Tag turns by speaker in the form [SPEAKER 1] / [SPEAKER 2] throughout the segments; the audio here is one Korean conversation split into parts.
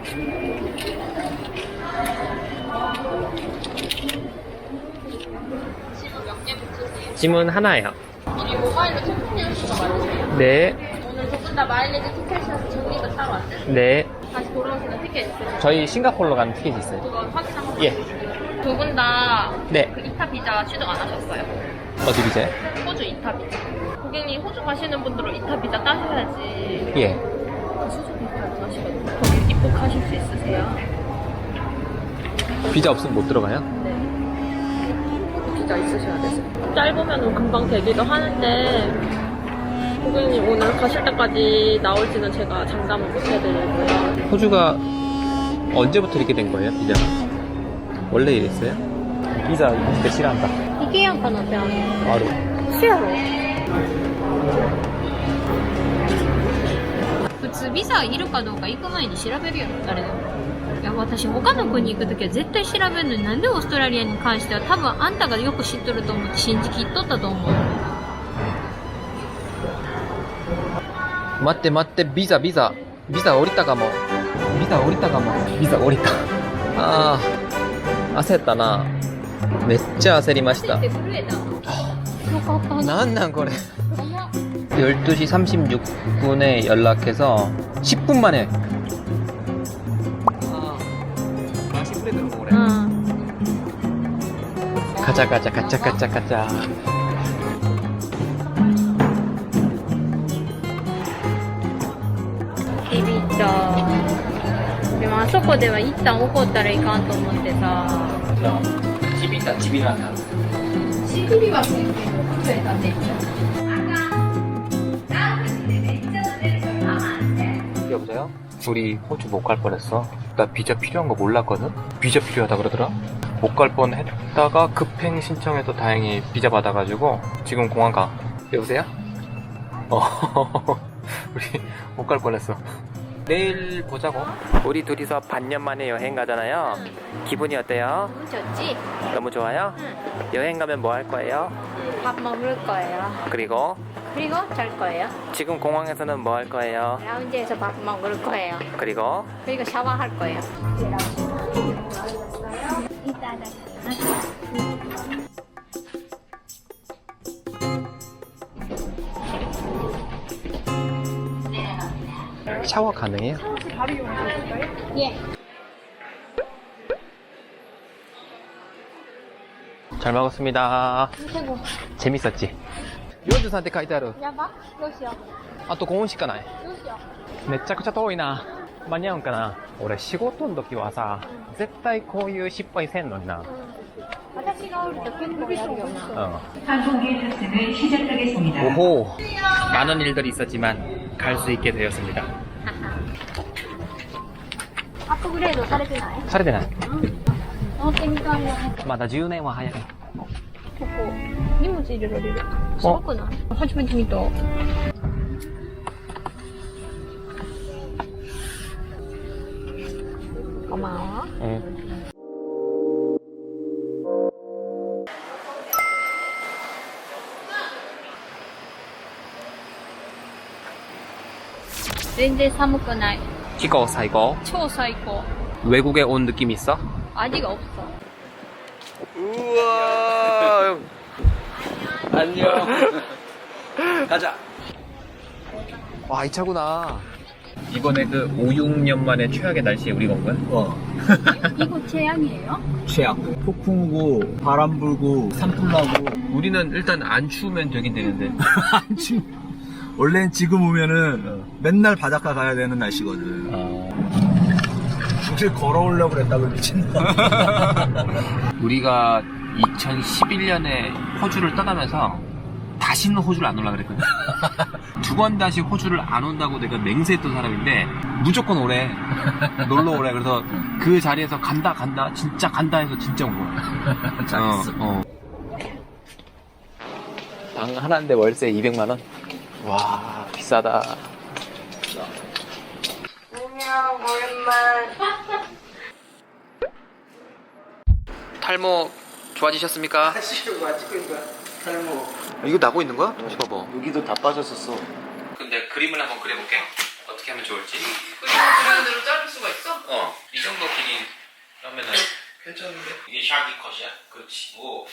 [SPEAKER 1] 짐은 하나예요.
[SPEAKER 2] 우리 모바일로 체크인 연수가 많으세요?
[SPEAKER 1] 네.
[SPEAKER 2] 오늘 두 분 다 마일리지 티켓이라서 적립을 따로 안 되세요?
[SPEAKER 1] 네.
[SPEAKER 2] 다시 돌아오시는 티켓 있으세요?
[SPEAKER 1] 저희 싱가포르로 가는 티켓이 있어요.
[SPEAKER 2] 그거 확인 한번
[SPEAKER 1] 예.
[SPEAKER 2] 두 분 다
[SPEAKER 1] 네.
[SPEAKER 2] 그 이타 비자 취득 안 하셨어요?
[SPEAKER 1] 어디 비자요?
[SPEAKER 2] 호주 이타 비자. 고객님 호주 가시는 분들은 이타 비자 따셔야지.
[SPEAKER 1] 예.
[SPEAKER 2] 그 수수 비자 안 하시거든요. 거기 입국하실 수 있으세요?
[SPEAKER 1] 비자 없으면 못 들어가요?
[SPEAKER 2] 네. 비자 있으셔야 되세요. 짧으면 금방 되기도 하는데 고객님 오늘 가실 때까지 나올지는 제가 장담을 못 해드리고요.
[SPEAKER 1] 호주가 언제부터 이렇게 된 거예요, 비자가? 원래 이랬어요? 비자 진짜 싫어한다.
[SPEAKER 2] 이게 약간 어때요?
[SPEAKER 1] 바로.
[SPEAKER 2] 수야로. 普通ビザいるかどうか行く前に調べるよ、誰でも。いや、私他の国行くときは絶対調べるのに、なんでオーストラリアに関しては多分あんたがよく知っとると思って信じきっとったと思う。
[SPEAKER 1] 待って待って、ビザ降りたかも。ビザ降りた。あー、焦ったな。めっちゃ焦りました。
[SPEAKER 2] 震えた。よかった。
[SPEAKER 1] なんなんこれ。12시 36분에 연락해서 10분 만에. 아, 맛있게 들어오래. 가자.
[SPEAKER 2] ビビった。でもあそこでは一旦怒ったらいかんと思ってさ。
[SPEAKER 1] 집이란다.
[SPEAKER 2] 시급이 왔을 때 호주에 다 됐죠.
[SPEAKER 1] 여보세요? 우리 호주 못 갈 뻔했어. 나 비자 필요한 거 몰랐거든? 비자 필요하다 그러더라? 못 갈 뻔했다가 급행 신청해서 다행히 비자 받아가지고 지금 공항 가. 여보세요? 우리 못 갈 뻔했어. 내일 보자고. 우리 둘이서 반년 만에 여행 가잖아요. 기분이 어때요?
[SPEAKER 2] 너무 좋지?
[SPEAKER 1] 너무 좋아요? 여행 가면 뭐 할 거예요?
[SPEAKER 2] 밥 먹을 거예요.
[SPEAKER 1] 그리고
[SPEAKER 2] 잘 거예요.
[SPEAKER 1] 지금 공항에서는 뭐 할 거예요?
[SPEAKER 2] 라운지에서 밥 먹을 거예요.
[SPEAKER 1] 그리고
[SPEAKER 2] 샤워할 거예요.
[SPEAKER 1] 샤워 가능해요?
[SPEAKER 2] 바로 이용하실까요? 예.
[SPEAKER 1] 잘 먹었습니다.
[SPEAKER 2] 최고.
[SPEAKER 1] 재밌었지? 43って書いてある。
[SPEAKER 2] やばどうしよ
[SPEAKER 1] あと5分しかない。
[SPEAKER 2] う。どうしよ
[SPEAKER 1] めちゃくちゃ遠いな。間に合うんかな。俺仕事の時はさ、絶対こういう失敗せんのにな。
[SPEAKER 2] 私がおると結構やるよな。
[SPEAKER 3] 항공기 탑승을 시작하겠습니다.
[SPEAKER 1] 오호. 많은 일들이 있었지만 갈 수 있게 되었습니다.
[SPEAKER 2] アップグレードされてない？
[SPEAKER 1] されてない。
[SPEAKER 2] 乗ってみたいよ。
[SPEAKER 1] まだ10年は早い。
[SPEAKER 2] ここ荷物入れられる。すごくない？初めて見た。こんばんは。全然寒くない。
[SPEAKER 1] 기거 사이고.
[SPEAKER 2] 超最高。
[SPEAKER 1] 외국에 온 느낌 있어?
[SPEAKER 2] 아직 없어.
[SPEAKER 1] 우와. 안녕. 가자. 와, 이 차구나. 이번에 그 5, 6년 만에 최악의 날씨에 우리가 온 거야?
[SPEAKER 2] 이거 최악이에요?
[SPEAKER 4] 최악. 폭풍 오고 바람 불고 산불 나고.
[SPEAKER 1] 우리는 일단 안 추우면 되긴 되는데.
[SPEAKER 4] 원래는 지금 오면은 맨날 바닷가 가야 되는 날씨거든. 굳이 걸어오려고 그랬다고 미친다.
[SPEAKER 1] 우리가 2011년에 호주를 떠나면서 다시는 호주를 안 올라 그랬거든. 두 번 다시 호주를 안 온다고 내가 맹세했던 사람인데 무조건 오래. 놀러 오래. 그래서 그 자리에서 간다 진짜 간다 해서 진짜 온 거야.
[SPEAKER 4] 잘했어.
[SPEAKER 1] 방 하나인데 월세 200만 원? 와, 비싸다.
[SPEAKER 2] 안녕, 오랜만.
[SPEAKER 1] 탈모 좋아지셨습니까?
[SPEAKER 4] 찍은 거야. 탈모.
[SPEAKER 1] 이거 나고 있는 거야? 다시 봐봐.
[SPEAKER 4] 여기도 다 빠졌었어.
[SPEAKER 1] 근데 그림을 한번 그려볼게. 어떻게 하면 좋을지.
[SPEAKER 2] 그리고 그런 대로 자를 수가 있어?
[SPEAKER 1] 그러면은 괜찮은데? 이게 샤기 컷이야? 그렇지. 오.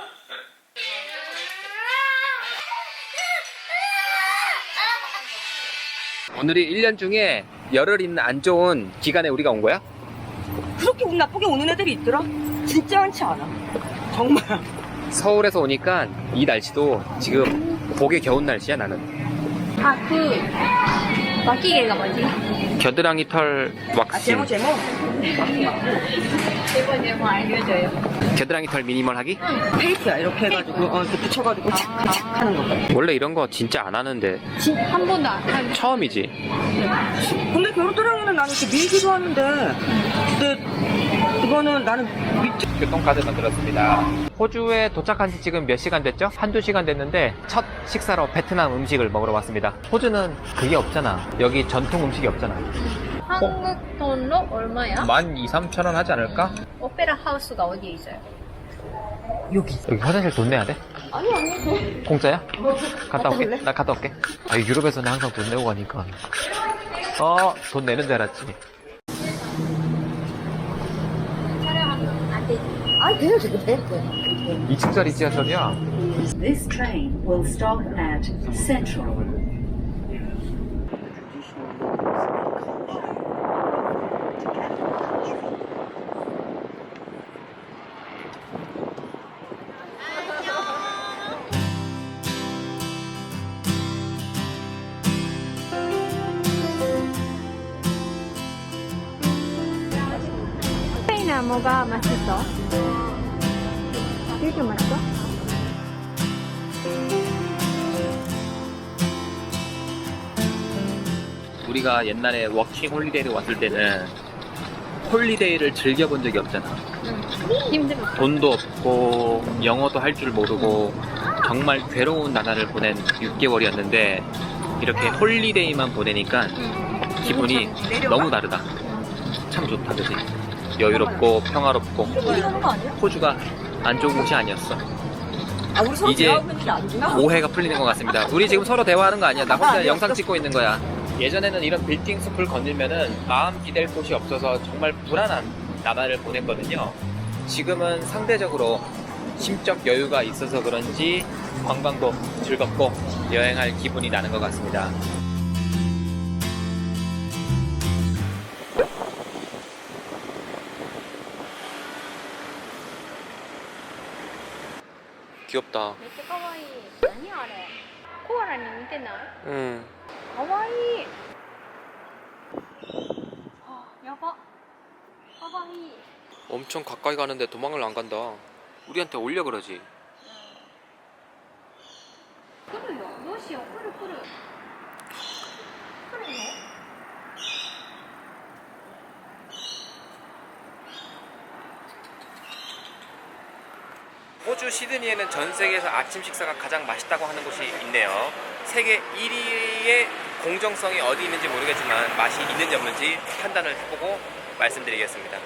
[SPEAKER 1] 오늘이 1년 중에 열흘 있는 안 좋은 기간에 우리가 온 거야?
[SPEAKER 5] 그렇게 운 나쁘게 오는 애들이 있더라? 진짜 많지 않아. 정말.
[SPEAKER 1] 서울에서 오니까 이 날씨도 지금 복에 겨운 날씨야 나는.
[SPEAKER 2] 아, 막기계가 뭐지?
[SPEAKER 1] 겨드랑이 털 왁싱.
[SPEAKER 5] 제모.
[SPEAKER 2] 제모 알려줘요.
[SPEAKER 1] 겨드랑이 털 미니멀 하기?
[SPEAKER 5] 페이크야. 이렇게 해가지고, 이렇게 붙여가지고 착착착 하는 거.
[SPEAKER 1] 원래 이런 거 진짜 안 하는데
[SPEAKER 2] 한 번도 안 한.
[SPEAKER 1] 처음이지.
[SPEAKER 5] 근데 겨드랑이는 나는 이렇게 밀기도 하는데, 근데 이거는 나는 밑에.
[SPEAKER 1] 교통카드 만들었습니다. 호주에 도착한 지 지금 몇 시간 됐죠? 한두 시간 됐는데 첫 식사로 베트남 음식을 먹으러 왔습니다. 호주는 그게 없잖아. 여기 전통 음식이 없잖아.
[SPEAKER 2] 한국 돈으로 얼마야?
[SPEAKER 1] 12,000~13,000원 하지 않을까?
[SPEAKER 2] 오페라 하우스가 어디에 있어요?
[SPEAKER 5] 여기.
[SPEAKER 1] 여기 화장실 돈 내야 돼?
[SPEAKER 5] 아니.
[SPEAKER 1] 공짜야? 갔다 올게.
[SPEAKER 5] 갈래?
[SPEAKER 1] 나 갔다 올게. 아, 유럽에서는 항상 돈 내고 가니까. 돈 내는 줄 알았지.
[SPEAKER 2] 촬영하면 안 되지.
[SPEAKER 5] 아니, 돼요, 지금 돼.
[SPEAKER 1] 2층짜리 지하철이야.
[SPEAKER 3] This train will stop at Central.
[SPEAKER 2] 스페인아 뭐가 맛있어? 되게 맛있어?
[SPEAKER 1] 우리가 옛날에 워킹 홀리데이를 왔을 때는 홀리데이를 즐겨본 적이 없잖아.
[SPEAKER 2] 힘들어.
[SPEAKER 1] 돈도 없고 영어도 할 줄 모르고 정말 괴로운 나날을 보낸 6개월이었는데 이렇게 홀리데이만 보내니까 기분이 너무 다르다. 참 좋다, 그지? 여유롭고 평화롭고.
[SPEAKER 5] 하는 거 아니야?
[SPEAKER 1] 호주가 안 좋은 곳이 아니었어.
[SPEAKER 5] 아, 우리 서로
[SPEAKER 1] 이제
[SPEAKER 5] 대화하고 있는 게 아니구나.
[SPEAKER 1] 오해가 풀리는 것 같습니다. 우리 지금 서로 대화하는 거 아니야. 나 혼자 영상 찍고 있는 거야. 예전에는 이런 빌딩 숲을 건들면은 마음 기댈 곳이 없어서 정말 불안한 나날을 보냈거든요. 지금은 상대적으로 심적 여유가 있어서 그런지 관광도 즐겁고 여행할 기분이 나는 것 같습니다. 귀엽다.
[SPEAKER 2] めっちゃ可愛い。何あれ？コアラに似てない？
[SPEAKER 1] 응.
[SPEAKER 2] 可愛い。あ、やば。可愛い。
[SPEAKER 1] 엄청 가까이 가는데 도망을 안 간다. 우리한테 올려 그러지.
[SPEAKER 2] 来るよ。どうしよう。来る。来るの？
[SPEAKER 1] 호주 시드니에는 전 세계에서 아침 식사가 가장 맛있다고 하는 곳이 있네요. 세계 1위의 공정성이 어디 있는지 모르겠지만 맛이 있는지 없는지 판단을 해보고 말씀드리겠습니다.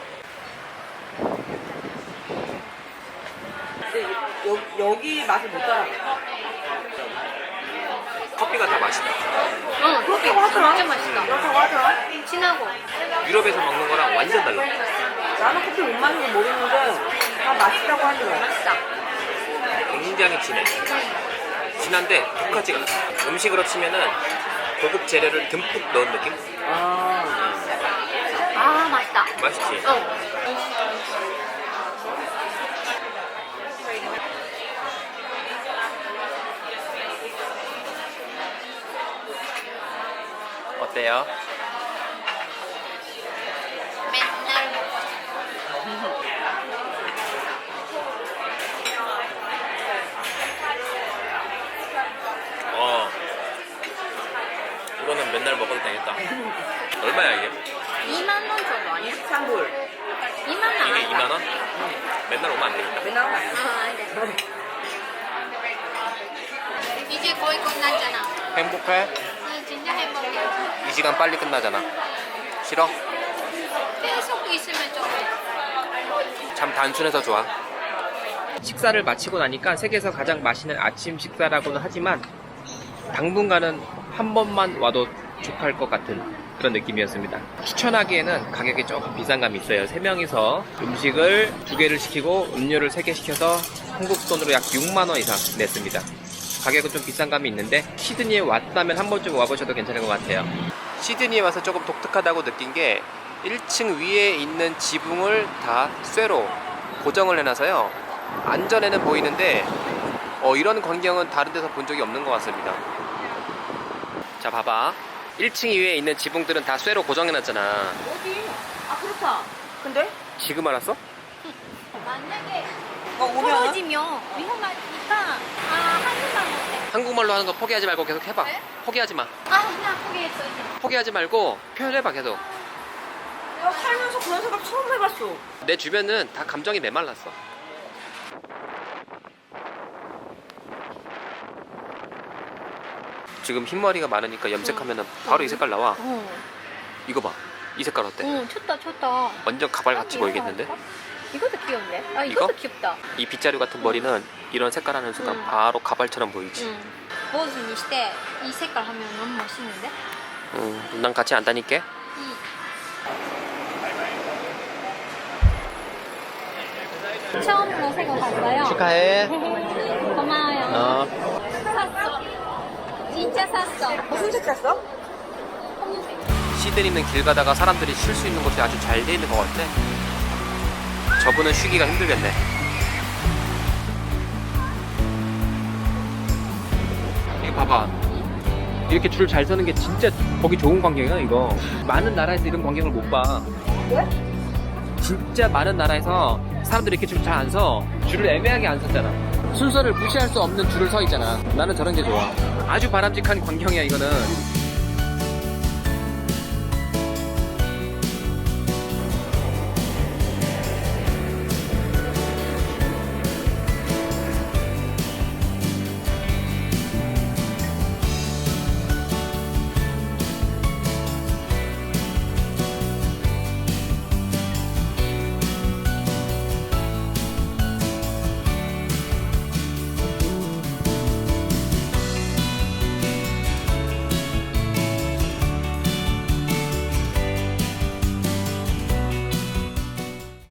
[SPEAKER 5] 근데 여기 맛을 못 따라.
[SPEAKER 1] 커피가 다 맛있다.
[SPEAKER 2] 응, 커피 진짜 맛있다.
[SPEAKER 5] 그렇다고 하더라.
[SPEAKER 2] 진하고.
[SPEAKER 1] 유럽에서 먹는 거랑 완전 달라.
[SPEAKER 5] 나는 커피 못 마시는 거 모르는데 다 맛있다고 하더라.
[SPEAKER 2] 맛있다.
[SPEAKER 1] 굉장히 진해. 진한데 독하지가 않아. 음식으로 치면은 고급 재료를 듬뿍 넣은 느낌?
[SPEAKER 2] 아, 맛있다.
[SPEAKER 1] 맛있지? 어때요?
[SPEAKER 2] 맨날 먹고
[SPEAKER 1] 이거는 맨날 먹어도 되겠다. 얼마야 이게?
[SPEAKER 2] 2만 원 정도 아니야?
[SPEAKER 5] 3불.
[SPEAKER 2] 2만 원
[SPEAKER 1] 이게
[SPEAKER 2] 안
[SPEAKER 1] 2만 원? 맨날 오면 안 되겠다.
[SPEAKER 5] 맨날 하면 안 돼.
[SPEAKER 2] 안 돼. 이제 거의 끝났잖아.
[SPEAKER 1] 행복해?
[SPEAKER 2] 응, 진짜 행복해.
[SPEAKER 1] 이 시간 빨리 끝나잖아. 싫어?
[SPEAKER 2] 계속 있으면 좀.
[SPEAKER 1] 참 단순해서 좋아. 식사를 마치고 나니까 세계에서 가장 맛있는 아침 식사라고는 하지만 당분간은 한 번만 와도 족할 것 같은 그런 느낌이었습니다. 추천하기에는 가격이 조금 비싼 감이 있어요. 3명이서 음식을 2개를 시키고 음료를 3개 시켜서 한국 돈으로 약 6만원 이상 냈습니다. 가격은 좀 비싼 감이 있는데 시드니에 왔다면 한 번쯤 와보셔도 괜찮은 것 같아요. 시드니에 와서 조금 독특하다고 느낀 게 1층 위에 있는 지붕을 다 쇠로 고정을 해놔서요, 안전에는 보이는데 이런 광경은 다른 데서 본 적이 없는 것 같습니다. 자, 봐봐. 1층 위에 있는 지붕들은 다 쇠로 고정해놨잖아.
[SPEAKER 5] 어디? 아, 그렇다. 근데?
[SPEAKER 1] 지금 알았어?
[SPEAKER 6] 만약에
[SPEAKER 5] 오면?
[SPEAKER 6] 떨어지면 위험하니까 한국말 못해.
[SPEAKER 1] 한국말로 하는 거 포기하지 말고 계속 해봐.
[SPEAKER 6] 네?
[SPEAKER 1] 포기하지 마.
[SPEAKER 6] 그냥 포기했어 이제.
[SPEAKER 1] 포기하지 말고 표현해봐 계속.
[SPEAKER 5] 내가 살면서 그런 생각 처음 해봤어.
[SPEAKER 1] 내 주변은 다 감정이 메말랐어. 지금 흰머리가 많으니까 염색하면 바로 이 색깔 나와. 이거 봐. 이 색깔 어때?
[SPEAKER 6] 좋다.
[SPEAKER 1] 완전 가발같이
[SPEAKER 6] 이거
[SPEAKER 1] 보이겠는데?
[SPEAKER 6] 할까? 이것도 귀엽네.
[SPEAKER 1] 이거?
[SPEAKER 6] 이것도 귀엽다.
[SPEAKER 1] 이 빗자루 같은 머리는 이런 색깔 하는 순간 바로 가발처럼 보이지.
[SPEAKER 6] 보즈にして이 색깔 하면 너무 멋있는데?
[SPEAKER 1] 난 같이 안 다닐게.
[SPEAKER 6] 처음으로 새거 샀어요.
[SPEAKER 1] 축하해.
[SPEAKER 6] 고마워요. 샀어. 진짜 샀어.
[SPEAKER 5] 무슨 색 샀어?
[SPEAKER 1] 시드니는 길 가다가 사람들이 쉴 수 있는 곳이 아주 잘 돼 있는 것 같아. 저분은 쉬기가 힘들겠네. 이거 봐봐. 이렇게 줄 잘 서는 게 진짜 보기 좋은 광경이야, 이거. 많은 나라에서 이런 광경을 못 봐.
[SPEAKER 5] 왜?
[SPEAKER 1] 진짜 많은 나라에서 사람들이 이렇게 줄 잘 안 서. 줄을 애매하게 안 섰잖아. 순서를 무시할 수 없는 줄을 서 있잖아. 나는 저런 게 좋아. 아주 바람직한 광경이야, 이거는.